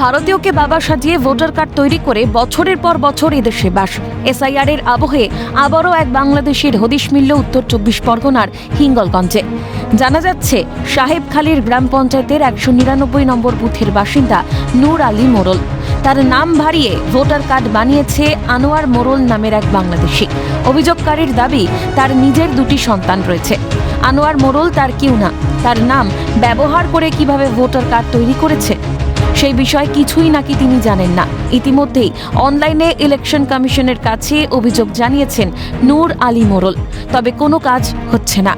ভারতীয়কে বাবা সাজিয়ে voter card তৈরি করে বছরের পর বছর এদেশে বাস। এসআইআর এর আবহে আবারও এক বাংলাদেশের হদিশ মিলল উত্তর 24 পরগনার হিঙ্গলগঞ্জে। জানা যাচ্ছে সাহেবখালীর গ্রাম পঞ্চায়েতের 199 নম্বর বুথের বাসিন্দা নূর আলী মোড়ল। তার নাম ভারিয়ে ভোটার কার্ড বানিয়েছে আনোয়ার মোড়ল নামের এক বাংলাদেশি। অভিযোগকারীর দাবি তার নিজের দুটি সন্তান রয়েছে। আনোয়ার মোড়ল তার কেউ না, তার নাম ব্যবহার করে কিভাবে ভোটার কার্ড তৈরি করেছে সেই বিষয়ে কিছুই নাকি তিনি জানেন না। ইতিমধ্যেই অনলাইনে ইলেকশন কমিশনের কাছে অভিযোগ জানিয়েছেন নূর আলী মোড়ল, তবে কোনো কাজ হচ্ছে না।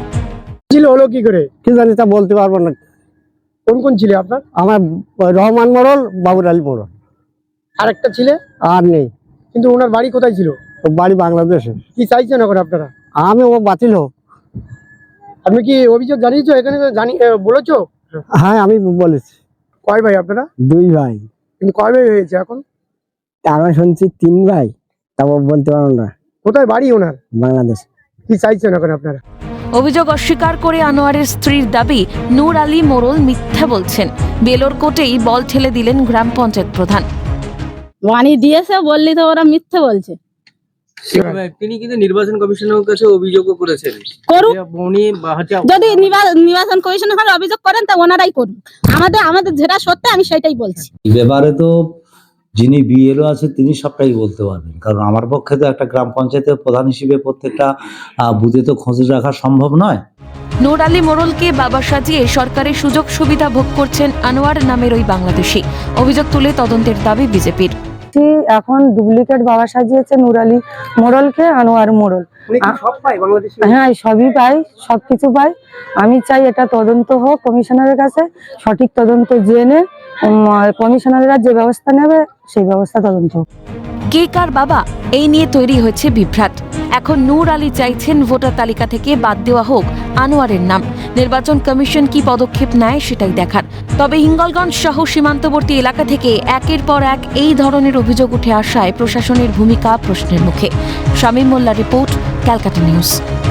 ছিল হলো কি করে কি জানি তা বলতে পারবো না। কোন কোন ছিল আপনার? আমার রহমান মোড়ল, বাবুর আলী মোড়ল। আর একটা ছিলে? আর নেই। কিন্তু ওনার বাড়ি কোথায় ছিল? বাড়ি বাংলাদেশে। কি চাইছেন এখন আপনারা? আমি ও বাতিল হোক। আপনি কি অভিযোগ জানিয়েছো এখানে? বলেছো? হ্যাঁ, আমি বলেছি। কয় ভাই আপনারা? 2 ভাই। কিন্তু কয় ভাই হয়েছে এখন? আমি শুনছি 3 ভাই, তাও বলতে পারবো না। কোথায় বাড়ি ওনার? বাংলাদেশ। কি চাইছেন এখন আপনারা? অভিযোগ অস্বীকার করে আনোয়ারের স্ত্রীর দাবি নূর আলী মোড়ল মিথ্যা বলছেন। বেলোর কোর্টেই বল ঠেলে দিলেন গ্রাম পঞ্চায়েত প্রধান। মানি দিয়েছে বললি তো ওরা মিথ্যে বলছে। তিনি কিন্তু নির্বাচন কমিশনের কাছে অভিযোগও করেছেন। করুক, উনি যদি নির্বাচন কমিশনের কাছে অভিযোগ করেন তা ওনারাই করুক। আমাদের যেটা সত্যি আমি সেটাই বলছি। এই ব্যাপারে তো যিনি বিএলও আছে তিনি সবটাই বলতে পারবেন, কারণ আমার পক্ষে তো একটা গ্রাম পঞ্চায়েতের প্রধান হিসেবে প্রত্যেকটা বুথে তো খোঁজ রাখা সম্ভব নয়। নূর আলী মোড়লকে বাবা সাজিয়ে সরকারি সুযোগ সুবিধা ভোগ করছেন আনোয়ার নামের ওই বাংলাদেশি। অভিযোগ তুলে তদন্তের দাবি বিজেপির। এখন ডুপ্লিকেট বাবা সাজিয়েছে নূর আলী মোড়লকে আনোয়ার মোড়ল। সব পাই বাংলাদেশে? হ্যাঁ, সবই পাই, সবকিছু পাই। আমি চাই এটা তদন্ত হোক কমিশনারের কাছে, সঠিক তদন্ত জেনে কমিশনাররা যে ব্যবস্থা নেবে সেই ব্যবস্থা তদন্ত হোক। কে কার বাবা, এই নিয়ে তৈরি হয়েছে বিভ্রাট। এখন নূর আলী চাইছেন ভোটার তালিকা থেকে বাদ দেওয়া হোক আনোয়ারের নাম। নির্বাচন কমিশন কি পদক্ষেপ নেয় সেটাই দেখার। তবে হিঙ্গলগঞ্জ সহ সীমান্তবর্তী এলাকা থেকে একের পর এক এই ধরনের অভিযোগ উঠে আসায় প্রশাসনের ভূমিকা প্রশ্নের মুখে। Shamim Molla report, Calcutta news.